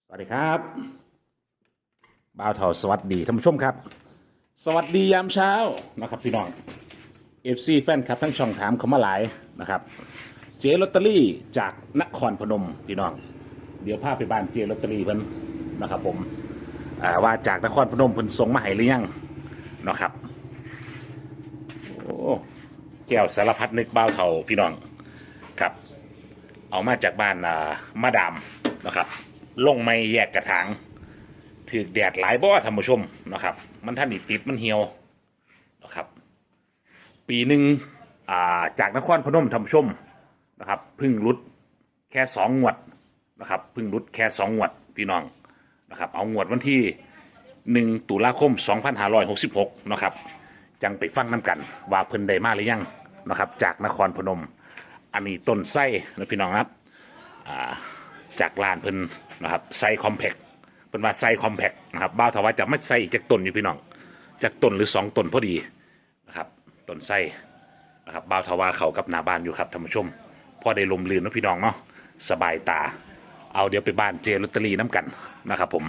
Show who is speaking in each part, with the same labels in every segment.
Speaker 1: สวัสดีครับบ่าวเถาสวัสดีท่านผู้ชมครับสวัสดียามเช้านะครับพี่น้องFC แฟนครับทั้งช่องถามเขามาหลายนะครับเจลอตเตอรี่จากนครพนมพี่น้องเดี๋ยวพาไปบ้านเจลอตเตอรี่เพิ่นนะครับผมว่าจากนครพนมเพิ่นส่งมาให้หรือยังนะครับโอ้แก้วสารพัดนึกบ่าวเถาพี่น้องครับเอามาจากบ้านมาดามนะครับลงไม่แยกกระถางถือแดดหลายบ่ท่านผู้ชมนะครับมันท่านอีติดมันเหี่ยวนะครับปีหนึ่งจากนครพนมท่านผู้ชมนะครับพึ่งรุดแค่2 งวดนะครับพึ่งรุดแค่2 งวดพี่น้องนะครับเอางวดวันที่1 ตุลาคม 2566นะครับจังไปฟังน้ำกันว่าเพิ่นได้มาหรือยังนะครับจากนครพนมอันนี้ต้นไส้นะพี่น้องครับจากลานเพิ่นนะครับไซคอมแพคเป็นว่าไซคอมแพคนะครับบ้าวทว่าจะไม่ไซอีกจากต้นอยู่พี่น้องจากต้นหรือ2 ต้นพอดีนะครับต้นไซนะครับบ้าวทว่าเขากับหน้าบ้านอยู่ครับท่านผู้ชมพอได้ลมลื่นนะพี่น้องเนาะสบายตาเอาเดี๋ยวไปบ้านเจลอตเตอรี่น้ำกันนะครับผม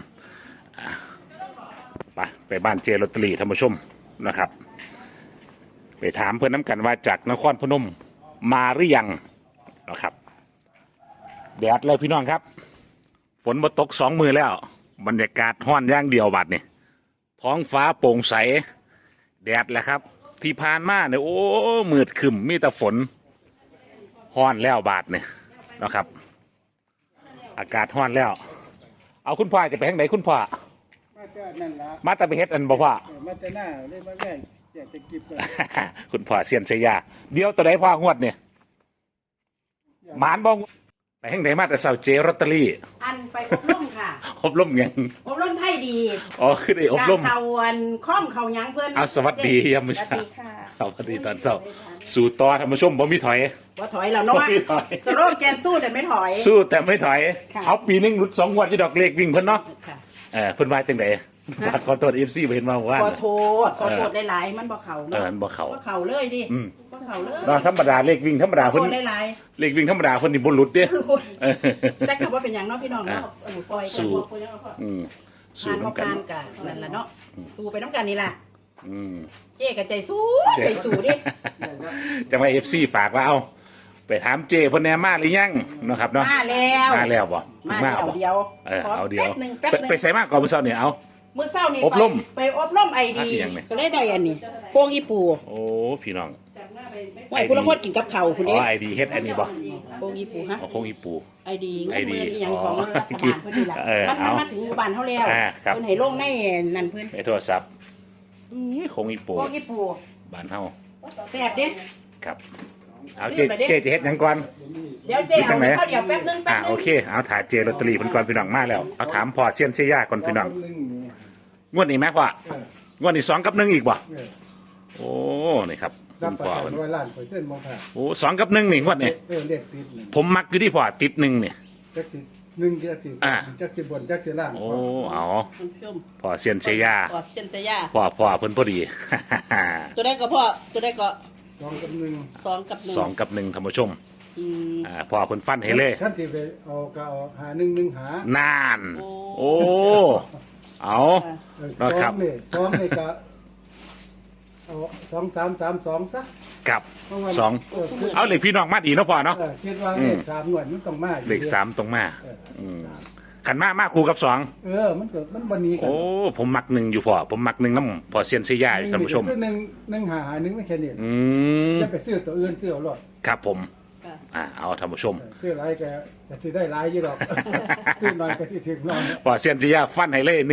Speaker 1: ไปบ้านเจลอตเตอรี่ท่านผู้ชมนะครับไปถามเพื่อนน้ำกันว่าจากนครพนมมาหรือยังนะครับแดดเลยพี่น้องครับฝนมาตก2 มือแล้วบรรยากาศห้อนย่างเดียวบัดนี่ท้องฟ้าโปร่งใสแดดแหละครับที่ผ่านมาเนี่ยโอ้มืดครึมมีแต่ฝนห้อนแล้วบาดเนี่ยนะครับอากาศห้อนแล้วเอาคุณพ่อจะไปทางไหนคุณพ่อ
Speaker 2: มาแต่นั่นละ
Speaker 1: มาแต่ไปเฮ็ดอันบ่พ่อ
Speaker 2: มาแต่หน้าเลยมาแย่อยากจะกิบเลย
Speaker 1: คุณพ่อเซียนเสียยาเดี๋ยวตัวไหนพ่องวดเนี่ยหมานบ่ไปทางไหนมาแต่เสาเจลอตเตอรี่
Speaker 3: อันไปอบรมค่ะ
Speaker 1: อบรมยัง
Speaker 3: อบรมไทยดี
Speaker 1: อ๋อคือได้อบรม
Speaker 3: เขาวันค้อมเขายังเพื่อน
Speaker 1: เอาสวัสดียามมื้อเช้า
Speaker 3: สวัสดีค่ะ
Speaker 1: สวัสดีตอนเช้าสู่ต่อท่านผู้ชมบ่มีถอย
Speaker 3: ว่าถอยแล้วเนาะ
Speaker 1: บ่มีถอย
Speaker 3: สโลแกนสู้แต่ไม่ถอย
Speaker 1: สู้แต่ไม่ถอย
Speaker 3: ค่ะ
Speaker 1: เอาปีนึงหลุด2 งวดที่ดอกเลขวิ่งเพิ่นเนาะ
Speaker 3: ค่ะ
Speaker 1: เพิ่นว่าจังได๋ขอโทษ FC บ่เห็นมาว่า
Speaker 3: ขอโทษหลายๆมันบ่เข่าเนาะ
Speaker 1: บ่เข้า
Speaker 3: บ่เข่าเลยดิบ่เข่าเลย
Speaker 1: เนาะธรรมดาเลขวิ่งธรรมดา
Speaker 3: ขอ
Speaker 1: เพิ่น
Speaker 3: โทษหลาย
Speaker 1: เลขวิ่งธรรมดาเพิ่นนี่บ่หลุดเด้
Speaker 3: ๆแต่ก็ว่าเป็นอย่างเนาะพี่น้องเนาะปล่อย
Speaker 1: สู้
Speaker 3: กัน
Speaker 1: อืมสู้
Speaker 3: ผ่าน
Speaker 1: นํกัน
Speaker 3: ผ่านกันนั่นล่ะเนาะสู้ไปน้ำกันนี่ล่ะ
Speaker 1: อืม
Speaker 3: เจ๊กับใจสู้ดิ
Speaker 1: จังว่า FC ฝากว่าเอาไปถามเจเพิ่นแหน่มาหรือยังเนาะครับเนาะ
Speaker 3: มาแล้ว
Speaker 1: มาแล้วบ่
Speaker 3: มาเดี๋ยว
Speaker 1: เอาเดียว
Speaker 3: แป๊บหนึ่ง
Speaker 1: ไปใส่มากก่อนมื้อเช้านี่เอา
Speaker 3: มื้อเช้านี่
Speaker 1: อบรม
Speaker 3: ไปอบรมไอดี
Speaker 1: อันนี้ยังไง
Speaker 3: ก็เลยได้อันนี้โป่งอีปู
Speaker 1: โอ้พี่น้อง
Speaker 3: ไว้คุณละคนกินกับข้าวคุณ
Speaker 1: อ๋
Speaker 3: นี่
Speaker 1: อไอดีเฮ็ดอันนี้บ่
Speaker 3: โป่งอีปูฮะ
Speaker 1: เอาคงอีปู
Speaker 3: ไอดี
Speaker 1: ไอดี
Speaker 3: เงินอีหยังของ
Speaker 1: อ๋อ
Speaker 3: รัฐบาลเพิ่นนี่ล่ะมัน
Speaker 1: เอา
Speaker 3: มาถึงบ้านเฮาแล้ว
Speaker 1: ครับ
Speaker 3: เพิ่นให้ลงในนั่นเพิ่น
Speaker 1: ในโทรศัพท์คงอีปู
Speaker 3: โป่งอีปู
Speaker 1: บ้านเฮา
Speaker 3: แซ่บเด้
Speaker 1: ครับเอาเจจะเฮ็ดหยังก่อน
Speaker 3: เดี๋ยวเจ๊เอาข้าวเดี๋ยวแป๊บนึง
Speaker 1: โอเคเอาถ่ายเจลอตเตอรี่เพิ่นก่อนพี่น้องมาแล้วเอาถามพ่อเซียนเชียยาก่อนพี่น้องงวดนี้แม่พ่องวดนี้2 กับ 1อีกบ่โอ้นี่ครับ
Speaker 2: รั
Speaker 1: คุ
Speaker 2: บ
Speaker 1: ณ
Speaker 2: ประ
Speaker 1: พ่อ
Speaker 2: กัน
Speaker 1: เพิ่น
Speaker 2: 100%บ่ค่ะ
Speaker 1: โอ้2 กับ 1นี่งวดนี้
Speaker 2: เลขติดนี่
Speaker 1: ผมมักอยู่ที่พ่อติด1นี่
Speaker 2: จักสิ1จักสิจักสิบนจักสิล่าง
Speaker 1: โอ้เอา
Speaker 3: คุณผู้ชม
Speaker 1: พ่อเซียนเชียยา
Speaker 3: ขอเชิญจะย่า
Speaker 1: พ่อเพิ่นพอดี
Speaker 3: ตัวได้ก็พ่อตัวได้ก็
Speaker 2: 2กับ1
Speaker 3: 2 กับ 1
Speaker 1: 2 กับ 1ท่านผู้ชม
Speaker 3: อืม
Speaker 1: พ่อเพิ่นฟันให้เลย
Speaker 2: คันที่ไปเอาก็เอาหา1 1หาน
Speaker 1: าน โอ้เอา นะครับ
Speaker 2: 2นี่ก็เอา2 3 3 2ซะ
Speaker 1: กับ
Speaker 2: เพราะว่า
Speaker 1: 2เอาเลยพี่น้องมาดีเนาะพ่อเนาะ
Speaker 2: คิดว่าเลข3หน่วยมันต้องมาอยู่
Speaker 1: เลข3ตรงมา
Speaker 2: เออ
Speaker 1: ขันมาคู่กับ2
Speaker 2: มันบ่หนีกัน
Speaker 1: โอ้ผมมัก1อยู่พ่อผมมัก1น้ำพ่อเซียนเซียยาท่านผู้ชม
Speaker 2: คือ1หา1ไม่แค่นี้
Speaker 1: อืม
Speaker 2: จะไปซื้อตัวอื่นซื้อเอาหรอก
Speaker 1: ครับผม
Speaker 3: ค่ะ
Speaker 1: เอาท่านผู้ชม
Speaker 2: ซื้อหลายแกจะซื้อได้หลายอยู่หรอก ซื้อน้อยก็สิถึงน้อย
Speaker 1: พ่อเซียนเซียยาฟันให้เลย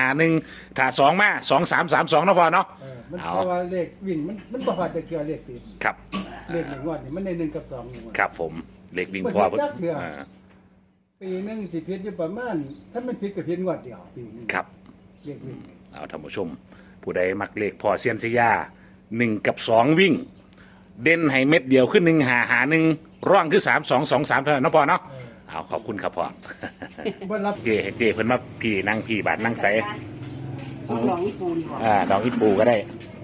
Speaker 1: 1 ถ้า2มา2 3 3 2เนาะพ่อเนาะ
Speaker 2: มัน
Speaker 1: เอา
Speaker 2: เพราะว่าเลขวิ่งมันบ่พอจะเชื่อเลขติด
Speaker 1: ครับ
Speaker 2: เลข1งวดนี่มันได้1กับ2งวด
Speaker 1: ครับผมเลขวิ่งพ่อ
Speaker 2: ปีหนึงสิผิดอยู่ประมาณถ้ามันผิดก็ผิดงวดเดียวปีนึง
Speaker 1: ครับ
Speaker 2: เลขวิ่ง
Speaker 1: เอาท่านผู้ชม ผู้ใดมักเลขพ่อเซียนเซียยา1 กับ 2 วิ่ง เด่นให้เม็ดเดียวขึ้น1 หา 1ร่องคือ3 2 2 3เท่านั้นเนาะพ่อเนาะเอาขอบคุณครับพ่อ
Speaker 2: บ่รับ
Speaker 1: เจเพิ่นมาพี่นั่งพี่บาทนั่งใส
Speaker 3: เอาลองอีปูดีกว่า
Speaker 1: ดอกอีปูก็ได้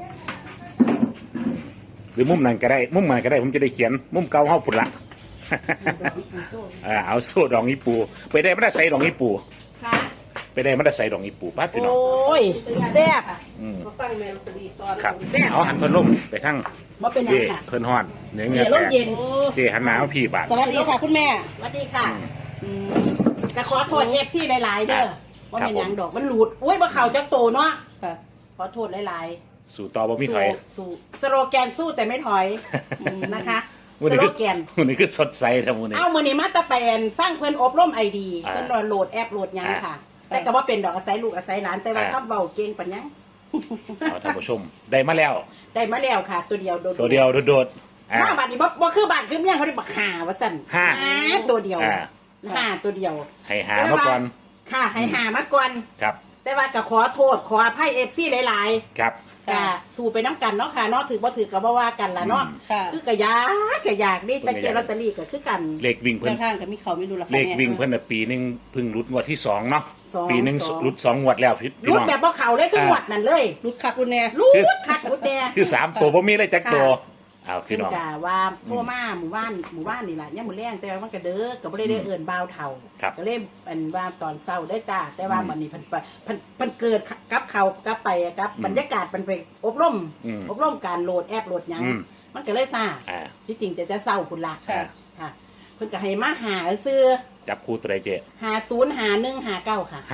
Speaker 1: หรือมุมนั้นก็ได้มุมนั้นก็ได้ผมจะได้เขียนมุมเก่าเฮาพุ่นละ เอาโซ่ดอกอีปูไปได้ไม่ได้ใส่ดอกอีปู
Speaker 3: ค่ะ
Speaker 1: ไปได้มันได้ใส่ดอกอีปูป้าพี่น้อง
Speaker 3: โอ้ยแซ่บ
Speaker 4: มาฟังแมวตรีตอน
Speaker 1: ครับเอาหันเพิ่นลมไปทั้ง
Speaker 3: ว่าเป็นหยั
Speaker 1: เจ
Speaker 3: งค่ะ
Speaker 1: เพิ่นฮ้อนเนื้อเงื
Speaker 3: เดี๋
Speaker 1: อ
Speaker 3: ยวลม
Speaker 1: แตก
Speaker 3: เย็น
Speaker 1: เจหันหนาวพี่บาท
Speaker 4: สวัสดีค่ะคุณแม่
Speaker 3: สวัสดีค่ะก็ขอโทษเอฟซีหลายๆเด้อว่าเป็นหยังดอกมันหลุดอุ้ยบ่เข่าจักโตเนาะ
Speaker 4: ค่ะ
Speaker 3: ขอโทษหลาย
Speaker 1: สู่ต่อบ่
Speaker 3: ๆ
Speaker 1: มีถอย
Speaker 3: สู้สโลแกนสู้แต่ไม่ถอยนะคะ
Speaker 1: มื้อ
Speaker 3: ส
Speaker 1: นี้
Speaker 3: โล
Speaker 1: คือ
Speaker 3: แกน
Speaker 1: มื้อนี้คือสดใสทั้งมื้อนี้
Speaker 3: เอามือนี้มาตะแปนฟังเพิ่นอบรมไอดี
Speaker 1: อ่า
Speaker 3: เพิ่นโหลดแอปโหลดหยังค่ะ
Speaker 4: อ่า
Speaker 3: แต่ก็ว่าเป็นดอกอาศัยลูกอาศัยหลานแต่ว่า
Speaker 1: อ่า
Speaker 3: คำเบาเก่งปัญญัง
Speaker 1: เอาท่านผู้ชมได้มาแล้ว
Speaker 3: ได้มาแล้วค่ะ ตัวเดียวโดดๆ
Speaker 1: ตัวเดียวโดดๆอ่า
Speaker 3: มาบัดนี้บ่คือบ้านคือเมียเขาได้บักหาว่าสั่น
Speaker 1: ห้า
Speaker 3: ตัวเดียว
Speaker 1: อ่า
Speaker 3: ห้าตัวเดียว
Speaker 1: ให้หามาก่อน
Speaker 3: ค่ะให้หามาก่อน
Speaker 1: ครับ
Speaker 3: แต่ว่าก็ขอโทษขออภัยเอฟซีหลาย
Speaker 1: ครับ
Speaker 3: ๆก็สู้ไปน้ำกันเนาะค่ะเนาะถือบ่ถือก็บ่ว่ากันละเนาะ
Speaker 4: ค่ะ
Speaker 3: คือกะยากนี่แต่เจลอตเตอรี่ก็คือกัน
Speaker 1: เลขวิ่งเพิ่
Speaker 4: เพื่อน นทางกับมีเขาไม่ดูราคา
Speaker 1: เลข
Speaker 4: แม่
Speaker 1: วิ่งเพิ่นน่ะปีหนึงเพิ่งรุดงวดที่2เนาะ
Speaker 3: สอง
Speaker 1: ปีหนึง
Speaker 3: สอง
Speaker 1: รุด2งวดแล้วพี่
Speaker 3: รุด
Speaker 1: น้อง
Speaker 3: แบบบ่เข้าเลยคือหวดนั่นเลย
Speaker 4: รุดคักรุดแน่
Speaker 3: รุดคักรุดแน่
Speaker 1: คือ3ตัวบ่มีเลยจักตัวเอา
Speaker 3: เพิ่
Speaker 1: พี่
Speaker 3: น
Speaker 1: น้อง
Speaker 3: กะว่าโทรมาหมู่บ้านนี่ล่ะยามมื้อแลงแต่ว่ามันก็เด้อก็บ่ได้เอิ้นบ่าวเฒ่า
Speaker 1: ครับ
Speaker 3: ก็เลยอันว่าตอนเช้าได้จ้าแต่ว่ามันนี่เพิ่นเกิดกับเขากับไปกับบรรยากาศมันไปอบรม
Speaker 1: อืม
Speaker 3: อบรมการโหลดแอปโหลดหยัง
Speaker 1: อืม
Speaker 3: มันก็เลยซ่า
Speaker 1: อ่า
Speaker 3: ที่จริงจะเศร้าคุณละ
Speaker 1: ค่ะ
Speaker 3: ค่ะเพิ่นก็ให้มาหาซื้อ
Speaker 1: จับคู่ตัวใดเจ๊
Speaker 3: 505159ค่ะ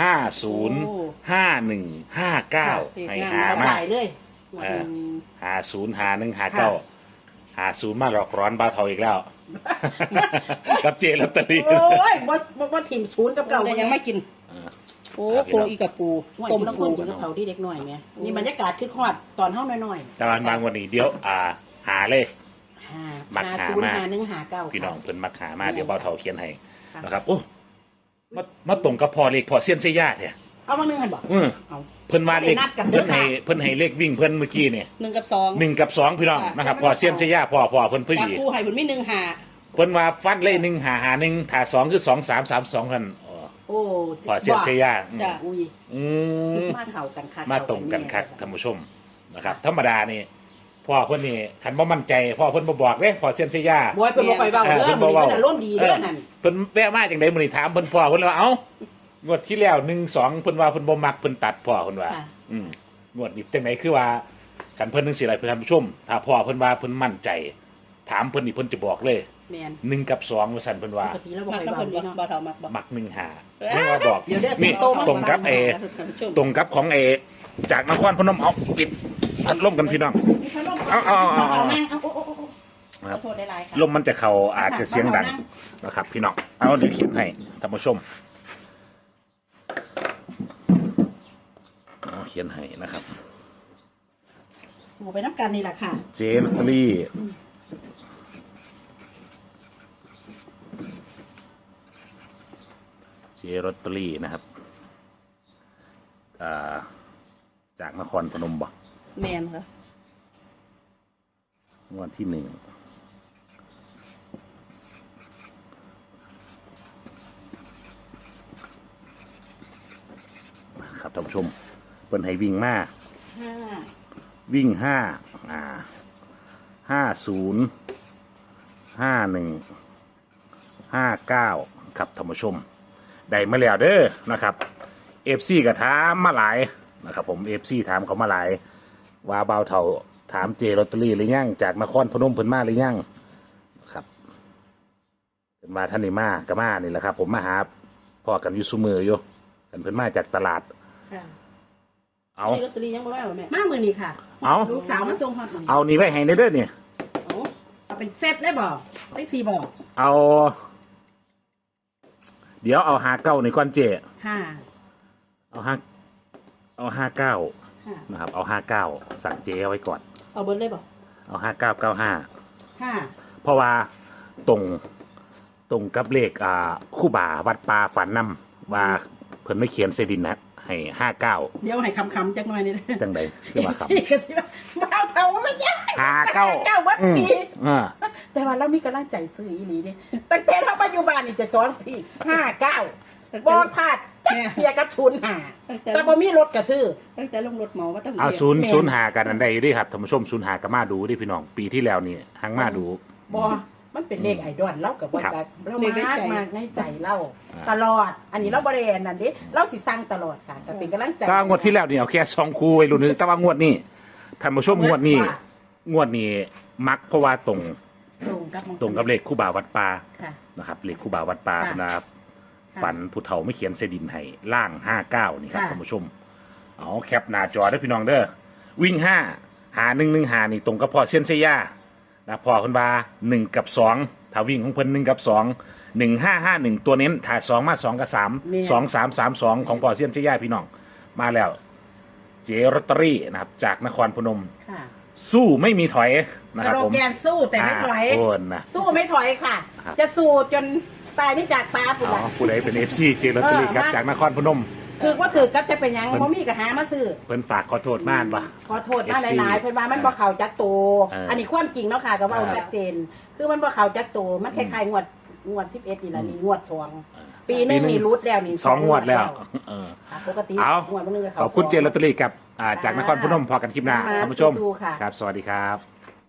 Speaker 1: 505159ให้หา
Speaker 3: เอา
Speaker 1: มา
Speaker 3: ได้เลย
Speaker 1: เออ 505159มาหลอกร้อนบ้าวเทาอีกแล้ว กับเจลอตเตอรี่
Speaker 3: โอ้ยบ่ถิ่มศูนย์กับเก่า
Speaker 4: แต่ยังไม่กิน โอ้โคอีกับปู
Speaker 3: ต้
Speaker 4: ต้
Speaker 3: ม
Speaker 4: ม
Speaker 3: น้ำ
Speaker 4: ปู
Speaker 3: ข้นกับเขาที่เด็กน้อยไงนี่บรรยากาศคือฮอดตอนเฮาน้อย
Speaker 1: แต่วันบางวันนี้เดี๋ยวหาเลย
Speaker 3: ๆ
Speaker 1: มักหามา
Speaker 3: 505159
Speaker 1: พี่น้องเพิ่นมักหามาเดี๋ยวเบาเทาเขียนให้
Speaker 3: ค่ะ
Speaker 1: นะครับโอ้มาตรงกับพอเลขพอเซียนเซย่าเนี่ย
Speaker 3: เอามานึงหั่นบ่
Speaker 1: เอาเพิ่นมาเลข
Speaker 3: นัดกันเด้
Speaker 1: เพิ่
Speaker 3: อน
Speaker 1: ให้
Speaker 3: ค่ะ
Speaker 1: เพิ่นให้เลขวิ่งเพิ่นเมื่อกี้เนี่ย
Speaker 4: 1 กับ 2
Speaker 1: 1 กับ 2พี่น้อง
Speaker 4: ค่ะ
Speaker 1: นะครับพอเซียนเซย่าพอเพิ่นพอ
Speaker 4: จับ
Speaker 1: ดี
Speaker 4: ปูให้บุญไม่1 หา
Speaker 1: เพิ่นว่าฟันเลข1 5 5 1ถ้า2คือ2 3 3 2กันอ๋อ
Speaker 3: โอ้
Speaker 1: พอเซียนเซย่า
Speaker 4: จ้ะ
Speaker 3: อุ้ย
Speaker 1: อืม
Speaker 3: มาเข้ากันคัก
Speaker 1: มาตรงกันคักท่านผู้ชมนะครับธรรมดานี่พ่อเพิ่นนี่คันบ่มั่นใจพ่อเพิ่นบ่บอกเด้พอเซียนเซย่า
Speaker 3: บอยเพิ่นบ่ค่อยเว้าเด้อ
Speaker 1: เพิ่น
Speaker 3: มื้
Speaker 1: บ่
Speaker 3: อนี้
Speaker 1: เว้า
Speaker 3: เพิ่นอารมณ์ดีเด้อนั่น
Speaker 1: เพิ่นแวะมาจังได๋มื้อนี้ถามเพิ่นพ่อเพิ่นเลยว่าเอ้างวดที่แล้ว1 2เพิ่นว่าเพิ่นบ่มักเพิ่นตัดพ่อเพิ่นว่า
Speaker 3: ค่ะ
Speaker 1: งวดนี้จังไดคือว่ากันเพิ่นจังซี่ล่ะเพิ่นท่านผู้ชม ถ้าพ่อเพิ่นว่าเพิ่นมั่นใจ ถามเพิ่นนี่เพิ่นจะบอกเลย
Speaker 3: แม่น
Speaker 1: 1 กับ 2ว่าซั่นเพิ่นว่า
Speaker 3: ปกติแล้วบ่
Speaker 4: มัก
Speaker 3: ค่อย
Speaker 4: น้ำ
Speaker 3: เว้า
Speaker 4: เพิ่น
Speaker 3: เด้
Speaker 4: บ่
Speaker 3: เนาะ
Speaker 4: บ่เท่ามักบ่
Speaker 1: มัก1 5ไม่ว่าบอก
Speaker 3: เดี๋ยวเด้อ
Speaker 1: นี่
Speaker 3: โตมา
Speaker 1: ตรงกับตรงกับของจากนครพนมเอาปิดพัดลมกันพี่น้อง เอา
Speaker 3: นั่งเอาโอ้
Speaker 1: ครั
Speaker 3: ขอบ โทษหลายๆค่ะ
Speaker 1: ลมมันจะเข้าอาจจะเสียงดังนะครับพี่น้องเอาเดี๋ยวเขียนให้ท่านผู้ชมเอาเขียนให้นะครับ
Speaker 3: หมูไปน้ำกันนี่แหละค่ะ
Speaker 1: เจลอตเตอรี่เจลอตเตอรี่นะครับจากนครพนมบ่
Speaker 4: แม่นค่ะ
Speaker 1: งวดที่ 1ครับท่านผู้ชมเปิ้นให้วิ่งมา
Speaker 3: 5
Speaker 1: วิ่ง50 51 59ครับท่านผู้ชมได้มาแล้วเด้อนะครับ FC ก็ถามมาหลายนะครับผม FC ถามเขามาหลายว่าเบาเท่าถามเจลอตเตอรี่หรือยังจากนครพนมเพิ่นมาหรือยังครับเป็นมาท่านนี่มาก็มานี่แหละครับ ผมมาหาพ่อกันอยู่ซุมืออยู่กันเพิ่นมาจากตลาด
Speaker 3: ค่ะ
Speaker 1: เอา
Speaker 3: นี่ลอตเตอรี่ยังบ่ได้หรอแม่มามื้อนี้ค่ะ
Speaker 1: เอา
Speaker 3: ลูกสาวมาส่งฮอดมื้อนี้
Speaker 1: เอานี่ไว้ให้ในเด้อเนี่ย
Speaker 3: เอาเป็นเซตได้บ่ได้4บ่
Speaker 1: เอาเดี๋ยวเอา59ในก้อนเจ
Speaker 3: ค่ะ
Speaker 1: เอา59
Speaker 3: ค่ะ
Speaker 1: นะครับเอา59สั่งเจเอาไว้ก่อน
Speaker 3: เอาเบิดเลยบ่
Speaker 1: เอา5995
Speaker 3: ค่ะ
Speaker 1: เพราะว่าตรงกับเลขคู่บ่าวัดป่าฝันนำว่าเพิ่นไม่เขียนเซดินนะให้59
Speaker 3: เดี๋ยวให้คำๆจักหน่อยนี่เด้อ
Speaker 1: จังใดคือว่าครับ
Speaker 3: ที่ก็สิว่าบ่เอาเท่าไม่ยาก
Speaker 1: 59
Speaker 3: วัดปี
Speaker 1: อ่า
Speaker 3: แต่ว่าเรามีกำลังใจซื้ออีหลีเด้ตั้งแต่เราปัจจุบันนี่จะสอนที่59บ่พลาดจักเทียกับทุนหาแต่บ่มีรถก็ซื้อ
Speaker 4: ตั้งแต่ลงรถหมอว่าต้อง
Speaker 1: เอา
Speaker 4: เรียน
Speaker 1: 0 0หากันอันใดอยู่ดิครับท่านผู้ชม0หาก็มาดูดิพี่น้องปีที่แล้วนี่หังมาดู
Speaker 3: บ่มันเป็นเลขไอดอลเรากับว่า
Speaker 1: ครับ
Speaker 3: จะเรามากในใจเราตลอด อันนี้เราบริเวณนั่นดิเราสิสั่งตลอดค่ะจะเป็นกำลังใจ
Speaker 1: ก็งวดที่แล้วนี่เอาแค่2คู่ไว้รุ่นนึงแต่ว่างวดนี้ท่านผู้ชมงวดนี้มักเพราะว่าตรงกับเลขคู่บ่าววัดป่า
Speaker 3: ค่ะ
Speaker 1: นะครับเลขคู่บ่าววัดป่า
Speaker 3: ค่ะ
Speaker 1: นะครับ
Speaker 3: ค่ะ
Speaker 1: ฝันผู้เฒ่าไม่เขียนเสดินให้ล่าง59นี่ครับ
Speaker 3: ค่ะ
Speaker 1: ท่านผู้ชมเอาแคปหน้าจอได้อพี่น้องเด้อวิ่ง5หา1 หานี่ตรงกับพ่อเซียนเซียานะพ่อคุณบา1 กับ 2ถ้าวิ่งของเพิ่น1 กับ 2 1551ตัวเน้นถ้า2มา2 กับ 3 2 3 3 2ของพ่อเซียนเซียาพี่น้องมาแล้วเจรตเตอรี่นะครับจากนครพนม
Speaker 3: ค่ะ
Speaker 1: สู้ไม่มีถอยนะ
Speaker 3: ส
Speaker 1: ครับ
Speaker 3: โล
Speaker 1: ผม
Speaker 3: แกนสู้แต่ไม่ถอย
Speaker 1: โอนนะ
Speaker 3: สู้ไม่ถอยค่ะ
Speaker 1: ครับ
Speaker 3: จะสู้จนตายนี่จากฟ้าปุ๋ย
Speaker 1: อ๋อผู้ใดเป็นFC เจรตเตอรี่ครับจากนครพนม
Speaker 3: คือว่าถือก็จะเป็นหยังบ่มีก็หามาซื้อ
Speaker 1: เพิ่นฝากขอโทษมากปะ
Speaker 3: ขอโทษมาหลายๆเพิ่นว่ามันบ่เข้าจักโต อันนี้ความจริงเนาะค่ะก็เว้าชัดเจน คือมันบ่เข้าจักโตมันคล้ายๆงวด11นี่ล่ะนี่งวด2ปีหนึงนี่รุดแล้วนี่
Speaker 1: 2 งวดแล้วเออ
Speaker 3: ค่ะปกติ
Speaker 1: เอา
Speaker 3: งวดนึงก็เข้า
Speaker 1: ขอบคุณ
Speaker 3: สง
Speaker 1: เจรตเตอรี่กับจากนครพนมพอกันคลิปหน้า
Speaker 3: มา
Speaker 1: ท่านผู้ชม
Speaker 3: สู้ๆค่ะ
Speaker 1: ครับ สวัสดีครับ